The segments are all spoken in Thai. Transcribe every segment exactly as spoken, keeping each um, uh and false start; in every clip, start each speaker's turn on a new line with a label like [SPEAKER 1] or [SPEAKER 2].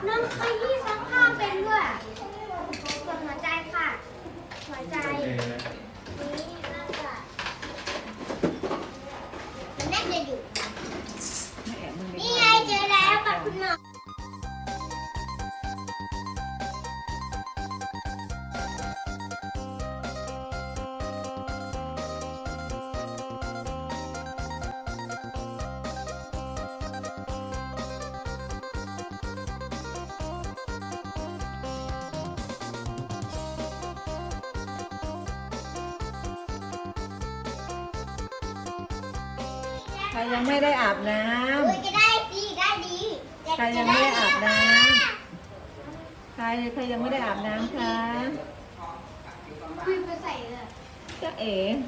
[SPEAKER 1] น้องไปที่ซักผ้าเป็นด้วยกดหัวใจค่ะหัวใจนี่น่าจะมันน่าจะอยู่นี่ไงเจอแล้วกับคุณหมอ
[SPEAKER 2] ใครยังไม่ได้อาบน้
[SPEAKER 1] เฮ้ยจะได้ดีได้ดี
[SPEAKER 2] ำใครยังไม่ได้อาบน้ำใครใครยังไม่ได้อาบน้ำคะ
[SPEAKER 1] คุยไปใส่เลย
[SPEAKER 2] จ๊ะเอ๋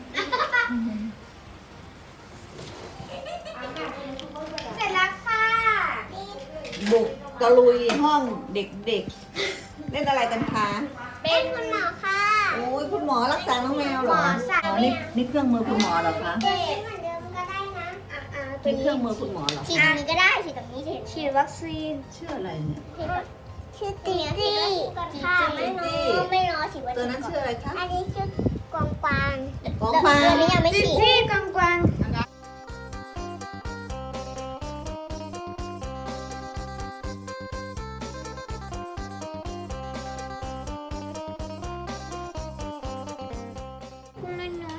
[SPEAKER 1] เสร็จแล้วค่ะ
[SPEAKER 2] บุกตะลุยห้องเด็กๆเล่นอะไรกันคะ
[SPEAKER 1] เป็นคุณหมอค่ะ
[SPEAKER 2] โอ้ยคุณหมอรักษาน้องแมวเหรอ
[SPEAKER 1] หมอสั่ง
[SPEAKER 2] อ๋อนี่นี่เครื่องมือคุณหมอเหรอคะ
[SPEAKER 1] เด็กเหมือนเดิมก็ได้นะอ่า
[SPEAKER 2] นี่เครื่องมือคุณหมอเหรอ
[SPEAKER 1] ฉีดตรงนี้ก็ได้ฉีดตรงนี้ฉีดฉีดวัคซีน
[SPEAKER 2] ชื่ออะไรเนี่ย
[SPEAKER 1] ชื่อตีจี้ค่ะไม่น้อไม่น้อฉีดวัคซีน
[SPEAKER 2] ตัวนั้นชื่ออะไรคะ
[SPEAKER 1] อันนี้ชื่อกวางกวาง
[SPEAKER 2] กองฟาง
[SPEAKER 1] ตัวนี้ยังไม่ฉีดจี้กวางกวางคุณน้อยน้อย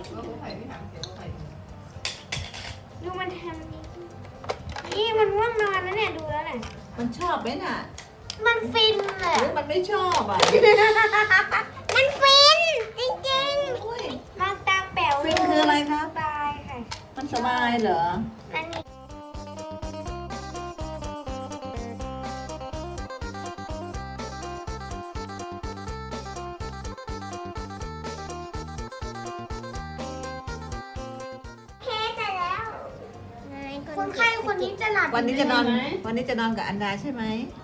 [SPEAKER 1] ดูมันทำนี่นี่มันว่างนอนแล้วเนี่ยดูแล้วเนี่ย
[SPEAKER 2] มันชอบไหมน่ะ
[SPEAKER 1] มันฟินเลย
[SPEAKER 2] หรือมันไม่ชอบอ่ะ
[SPEAKER 1] มันฟินจริง
[SPEAKER 2] อุ้ย
[SPEAKER 1] ๆมองตาแป๋ว
[SPEAKER 2] ฟินคืออะไรคะ
[SPEAKER 1] สบายค่ะ
[SPEAKER 2] มันสบายเหรอ
[SPEAKER 1] อันนี้เทเสร็จแล้วคนไข้คนนี้จะหลับ
[SPEAKER 2] วันนี้จะนอน
[SPEAKER 1] ไหม
[SPEAKER 2] วันนี้จะนอนกับอันดาใช่ไหม
[SPEAKER 1] ใ